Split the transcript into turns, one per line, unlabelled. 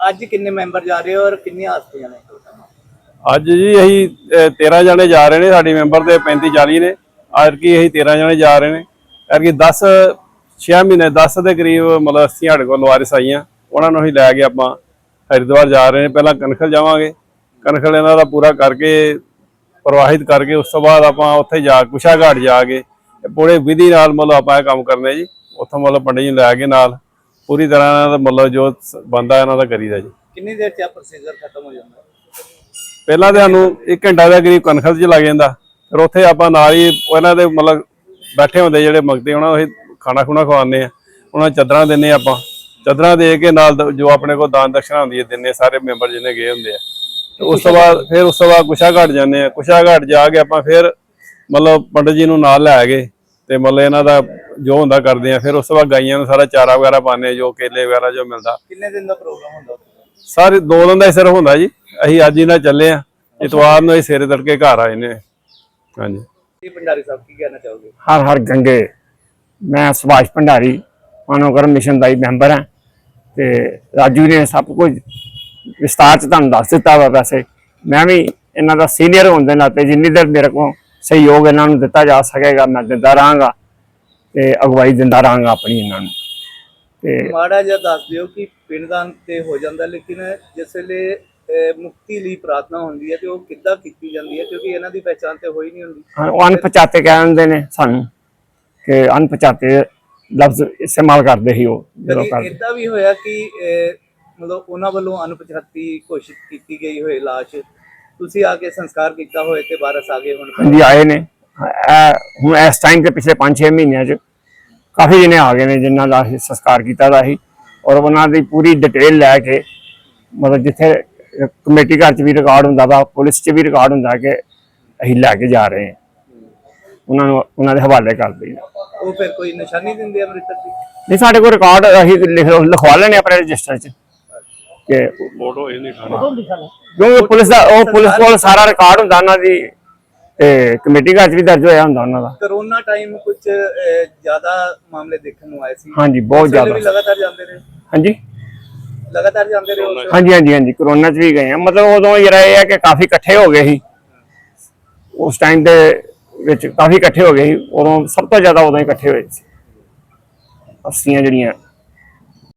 ਅੱਜ ਕਿੰਨੇ ਮੈਂਬਰ ਜਾ ਰਹੇ ਹੋ ਔਰ ਕਿੰਨੀਆਂ ਹਸਤੀਆਂ ਨੇ?
ਅੱਜ ਜੀ ਅਸੀਂ 13 ਜਣੇ ਜਾ ਰਹੇ ਨੇ, ਸਾਡੀ ਮੈਂਬਰ ਦੇ 35-40 ਨੇ। ਅੱਜ ਕੀ ਅਸੀਂ 13 ਜਣੇ ਜਾ ਰਹੇ ਨੇ। ਐਤਕੀ 6 ਮਹੀਨੇ 10 ਦੇ ਕਰੀਬ ਮਤਲਬ ਅਸੀਂ ਸਾਡੇ ਕੋਲ ਵਾਰਿਸ ਆਈਆਂ, ਉਹਨਾਂ ਨੂੰ ਅਸੀਂ ਲੈ ਕੇ ਆਪਾਂ ਹਰਿਦੁਆਰ ਜਾ ਰਹੇ ਨੇ। ਪਹਿਲਾਂ ਕਨਖਲ ਜਾਵਾਂਗੇ, ਕਨਖਲ ਇਹਨਾਂ ਦਾ ਪੂਰਾ ਕਰਕੇ ਪ੍ਰਵਾਹਿਤ ਕਰਕੇ ਉਸ ਤੋਂ ਬਾਅਦ ਆਪਾਂ ਉੱਥੇ ਜਾ ਕੁਸ਼ਾ ਘਾਟ ਜਾ ਕੇ ਪੂਰੇ ਵਿਧੀ ਨਾਲ ਮਤਲਬ ਆਪਾਂ ਇਹ ਕੰਮ ਕਰਨੇ ਜੀ। ਉੱਥੋਂ ਮਤਲਬ ਪੰਡਿਤ ਜੀ ਨੂੰ ਲੈ ਕੇ ਨਾਲ ਪੂਰੀ ਤਰ੍ਹਾਂ ਇਹਨਾਂ ਦਾ ਮਤਲਬ ਜੋ ਬੰਦਾ ਇਹਨਾਂ ਦਾ ਕਰੀਦਾ ਜੀ।
ਕਿੰਨੀ ਦੇਰ 'ਚ ਪ੍ਰੋਸੀਜਰ ਖਤਮ ਹੋ ਜਾਂਦਾ?
ਪਹਿਲਾਂ ਤੇ ਸਾਨੂੰ 1 ਘੰਟਾ ਦੇ ਕਰੀਬ ਕਨਖਲ 'ਚ ਲੱਗ ਜਾਂਦਾ, ਫਿਰ ਉੱਥੇ ਆਪਾਂ ਨਾਲ ਹੀ ਉਹਨਾਂ ਦੇ ਮਤਲਬ ਬੈਠੇ ਹੁੰਦੇ ਜਿਹੜੇ ਮੰਗਤੇ, ਉਹਨਾਂ ਨੂੰ ਅਸੀਂ ਖਾਣਾ ਖੁਣਾ ਖਵਾਉਂਦੇ ਆ, ਉਹਨਾਂ ਨੂੰ ਚਾਦਰਾਂ ਦਿੰਦੇ ਆਪਾਂ। ਚਾਦਰਾਂ ਦੇ ਕੇ ਨਾਲ ਜੋ ਆਪਣੇ ਕੋਲ ਦਾਨ ਦਕਸ਼ਨਾ ਹੁੰਦੀ ਹੈ ਦਿੰਦੇ ਸਾਰੇ ਮੈਂਬਰ ਜਿਹਨੇ ਗਏ ਹੁੰਦੇ ਆ। ਉਸ ਤੋਂ ਬਾਅਦ ਕੁਸ਼ਾ ਘਾਟ ਜਾਂਦੇ ਆ। ਕੁਸ਼ਾ ਘਾਟ ਜਾ ਕੇ ਆਪਾਂ ਫਿਰ ਮਤਲਬ ਪੰਡਿਤ ਜੀ ਨੂੰ ਨਾਲ ਲੈ ਗਏ ਤੇ ਮਤਲਬ ਇਹਨਾਂ ਦਾ ਜੋ ਹੁੰਦਾ ਕਰਦੇ ਆ। ਫਿਰ ਉਸ ਤੋਂ ਬਾਅਦ ਗਾਈਆਂ ਨੂੰ ਸਾਰਾ ਚਾਰਾ ਵਗੈਰਾ ਪਾਉਂਦੇ, ਜੋ ਕੇਲੇ ਵਗੈਰਾ ਜੋ ਮਿਲਦਾ।
ਕਿੰਨੇ ਦਿਨ ਦਾ ਪ੍ਰੋਗਰਾਮ ਹੁੰਦਾ?
ਸਾਰੇ 2 ਦਿਨ ਦਾ ਹੀ ਸਿਰਫ ਹੁੰਦਾ ਜੀ। ਅਸੀਂ ਅੱਜ ਹੀ ਨਾਲ ਚੱਲੇ ਆ, ਇਤਵਾਰ ਨੂੰ ਅਸੀਂ ਸਵੇਰੇ ਤੜਕੇ ਘਰ ਆਏ ਨੇ। ਹਾਂਜੀ
ਜੀ ਭੰਡਾਰੀ ਸਾਹਿਬ ਕੀ ਕਹਿਣਾ ਚਾਹੋਗੇ?
ਹਰ ਹਰ ਗੰਗੇ। ਮੈਂ ਸੁਭਾਸ਼ ਭੰਡਾਰੀ ਮਾਨਵਕਰਮ ਮਿਸ਼ਨ ਦਾ ਹੀ ਮੈਂਬਰ ਹਾਂ ਤੇ ਰਾਜੂ ਨੇ ਸਭ ਕੁਝ ਵਿਸਤਾਰ 'ਚ ਤੁਹਾਨੂੰ ਦੱਸ ਦਿੱਤਾ ਵਾ। ਵੈਸੇ ਮੈਂ ਵੀ ਇਹਨਾਂ ਦਾ ਸੀਨੀਅਰ ਹੋਣ ਦੇ ਨਾਤੇ ਜਿੰਨੀ ਦੇਰ ਮੇਰੇ ਕੋਲ ਸਹਿਯੋਗ ਇਹਨਾਂ ਨੂੰ ਦਿੱਤਾ ਜਾ ਸਕੇਗਾ ਮੈਂ ਦਿੰਦਾ ਰਹਾਂਗਾ ਤੇ ਅਗਵਾਈ ਦਿੰਦਾ ਰਹਾਂਗਾ ਆਪਣੀ ਇਹਨਾਂ ਨੂੰ। ਤੇ
ਮਾੜਾ ਜਿਹਾ ਦੱਸ ਦਿਓ ਕਿ ਪਿੰਡਦਾਨ ਤੇ ਹੋ ਜਾਂਦਾ, ਲੇਕਿਨ ਜਿਸ ਵੇਲੇ ਮੁਕਤੀ ਲਈ ਪ੍ਰਾਰਥਨਾ ਹੁੰਦੀ ਹੈ ਤੇ ਉਹ ਕਿੱਦਾਂ ਕੀਤੀ ਜਾਂਦੀ ਹੈ? ਕਿਉਂਕਿ ਇਹਨਾਂ ਦੀ ਪਹਿਚਾਣ ਤੇ ਹੋਈ ਨਹੀਂ ਹੁੰਦੀ।
ਉਹ ਅਣਪਛਾਤੇ ਕਹਿੰਦੇ ਨੇ ਸਾਨੂੰ ਕਿ ਅਣਪਛਾਤੇ ਲਫ਼ਜ਼ ਇਸਤੇਮਾਲ ਕਰਦੇ ਸੀ ਉਹ ਜਦੋਂ ਕਰਦੇ।
ਇਦਾਂ ਵੀ ਹੋਇਆ ਕਿ ਮਤਲਬ ਉਹਨਾਂ ਵੱਲੋਂ ਅਣਪਛਾਤੀ ਘੋਸ਼ਿਤ ਕੀਤੀ ਗਈ ਹੋਏ ਲਾਸ਼, ਤੁਸੀਂ ਆ ਕੇ ਸੰਸਕਾਰ ਕੀਤਾ ਹੋਏ ਤੇ ਵਾਰਸ ਆ ਗਏ ਹੁਣ?
ਹਾਂਜੀ ਆਏ ਨੇ। ਹੁਣ ਇਸ ਟਾਈਮ ਤੇ ਪਿਛਲੇ 5-6 ਮਹੀਨਿਆਂ 'ਚ ਕਾਫੀ ਜਣੇ ਆ ਗਏ ਨੇ ਜਿਨ੍ਹਾਂ ਦਾ ਅਸੀਂ ਸੰਸਕਾਰ ਕੀਤਾ ਦਾ ਸੀ, ਔਰ ਉਹਨਾਂ ਦੀ ਪੂਰੀ ਡਿਟੇਲ ਲੈ ਕੇ ਮਤਲਬ ਜਿੱਥੇ ਕਮੇਟੀ ਘਰ 'ਚ ਵੀ ਰਿਕਾਰਡ ਹੁੰਦਾ ਵਾ, ਪੁਲਿਸ 'ਚ ਵੀ ਰਿਕਾਰਡ ਹੁੰਦਾ ਕਿ ਅਸੀਂ ਲੈ ਕੇ ਜਾ ਰਹੇ ਹਾਂ, ਉਹਨਾਂ ਨੂੰ ਉਹਨਾਂ ਦੇ ਹਵਾਲੇ ਕਰਦੇ ਨੇ।
ਉਹ ਫਿਰ ਕੋਈ ਨਿਸ਼ਾਨੀ ਦਿੰਦੇ ਆ ਮ੍ਰਿਤਕ ਦੀ?
ਨਹੀਂ, ਸਾਡੇ ਕੋਲ ਰਿਕਾਰਡ ਅਸੀਂ ਲਿਖਵਾ ਲੈਣੇ ਆਪਣੇ ਰਜਿਸਟਰ 'ਚ ਕਿ
ਫੋਟੋ ਇਹ ਨਹੀਂ ਖਾਣਾ,
ਕਿਉਂਕਿ ਪੁਲਿਸ ਕੋਲ ਸਾਰਾ ਰਿਕਾਰਡ ਹੁੰਦਾ ਉਹਨਾਂ ਦੀ ਤੇ ਕਮੇਟੀ ਘਰ 'ਚ ਵੀ ਦਰਜ ਹੋਇਆ ਹੁੰਦਾ ਉਹਨਾਂ ਦਾ।
ਕਰੋਨਾ ਟਾਈਮ ਕੁਝ ਜ਼ਿਆਦਾ ਮਾਮਲੇ ਦੇਖਣ ਨੂੰ ਆਏ ਸੀ।
ਹਾਂਜੀ, ਬਹੁਤ ਜ਼ਿਆਦਾ।
ਲਗਾਤਾਰ ਜਾਂਦੇ ਰਹੇ?
ਹਾਂਜੀ,
ਲਗਾਤਾਰ ਜਾਂਦੇ ਰਹੇ?
ਹਾਂਜੀ ਕਰੋਨਾ 'ਚ ਵੀ ਗਏ ਆ। ਮਤਲਬ ਉਦੋਂ ਜਿਹੜਾ ਇਹ ਹੈ ਕਿ ਕਾਫੀ ਇਕੱਠੇ ਹੋ ਗਏ ਸੀ ਉਸ ਟਾਈਮ ਦੇ ਵਿੱਚ, ਕਾਫੀ ਇਕੱਠੇ ਹੋ ਗਏ ਸੀ ਉਦੋਂ, ਸਭ ਤੋਂ ਜ਼ਿਆਦਾ ਉਦੋਂ ਹੀ ਇਕੱਠੇ ਹੋਏ ਸੀ। ਅਸਲੀਆਂ ਜਿਹੜੀਆਂ